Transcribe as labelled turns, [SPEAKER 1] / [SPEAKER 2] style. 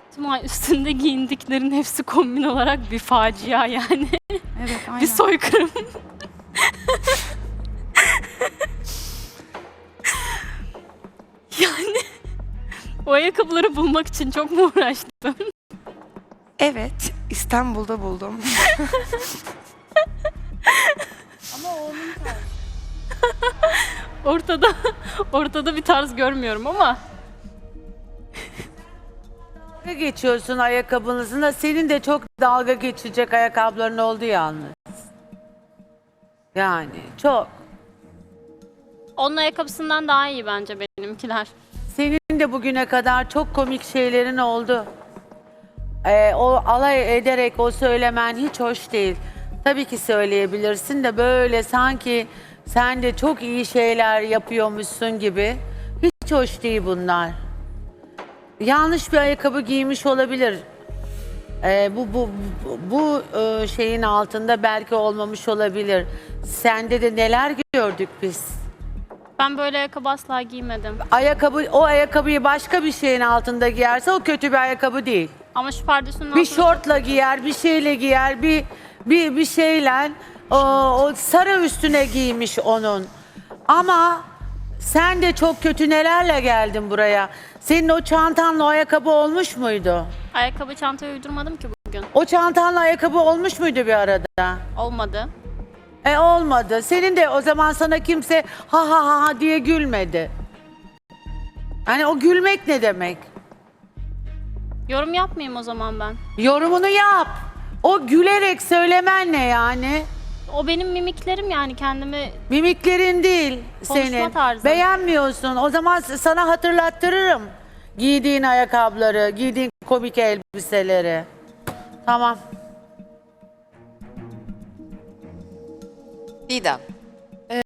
[SPEAKER 1] Simay, üstünde giyindiklerin hepsi kombin olarak bir facia yani.
[SPEAKER 2] Evet, aynen.
[SPEAKER 1] Bir soykırım. Yani o ayakkabıları bulmak için çok mu uğraştın?
[SPEAKER 3] Evet, İstanbul'da buldum.
[SPEAKER 1] Ortada bir tarz görmüyorum ama
[SPEAKER 4] Dalga geçiyorsun ayakkabınızla. Senin de çok dalga geçecek ayakkabıların oldu yalnız. Yani çok.
[SPEAKER 1] onun ayakkabısından daha iyi bence benimkiler.
[SPEAKER 4] Senin de bugüne kadar çok komik şeylerin oldu. O alay ederek o söylemen hiç hoş değil. Tabii ki söyleyebilirsin de böyle sanki sen de çok iyi şeyler yapıyormuşsun gibi. Hiç hoş değil bunlar. Yanlış bir ayakkabı giymiş olabilir. Bu şeyin altında belki olmamış olabilir. Sende de neler gördük biz.
[SPEAKER 1] Ben böyle ayakkabı asla giymedim.
[SPEAKER 4] O ayakkabıyı başka bir şeyin altında giyerse o kötü bir ayakkabı değil.
[SPEAKER 1] Ama şu pardesünün
[SPEAKER 4] Bir
[SPEAKER 1] altına
[SPEAKER 4] şortla giyer, bir şeyle giyer, bir şeyle o sarı üstüne giymiş onun. Ama sen de çok kötü nelerle geldin buraya. Senin o çantanla o ayakkabı olmuş muydu?
[SPEAKER 1] ayakkabı çantaya uydurmadım ki bugün.
[SPEAKER 4] O çantanla ayakkabı olmuş muydu bir arada?
[SPEAKER 1] Olmadı.
[SPEAKER 4] Olmadı. Senin de o zaman sana kimse ha ha ha ha diye gülmedi. Hani o gülmek ne demek?
[SPEAKER 1] Yorum yapmayayım o zaman ben.
[SPEAKER 4] Yorumunu yap. O gülerek söylemen ne yani?
[SPEAKER 1] O benim mimiklerim yani kendimi
[SPEAKER 4] Mimiklerin değil
[SPEAKER 1] Konuşma
[SPEAKER 4] senin.
[SPEAKER 1] tarzın.
[SPEAKER 4] Beğenmiyorsun. O zaman sana hatırlattırırım. Giydiğin ayakkabıları, giydiğin komik elbiseleri. Tamam.
[SPEAKER 5] Didem.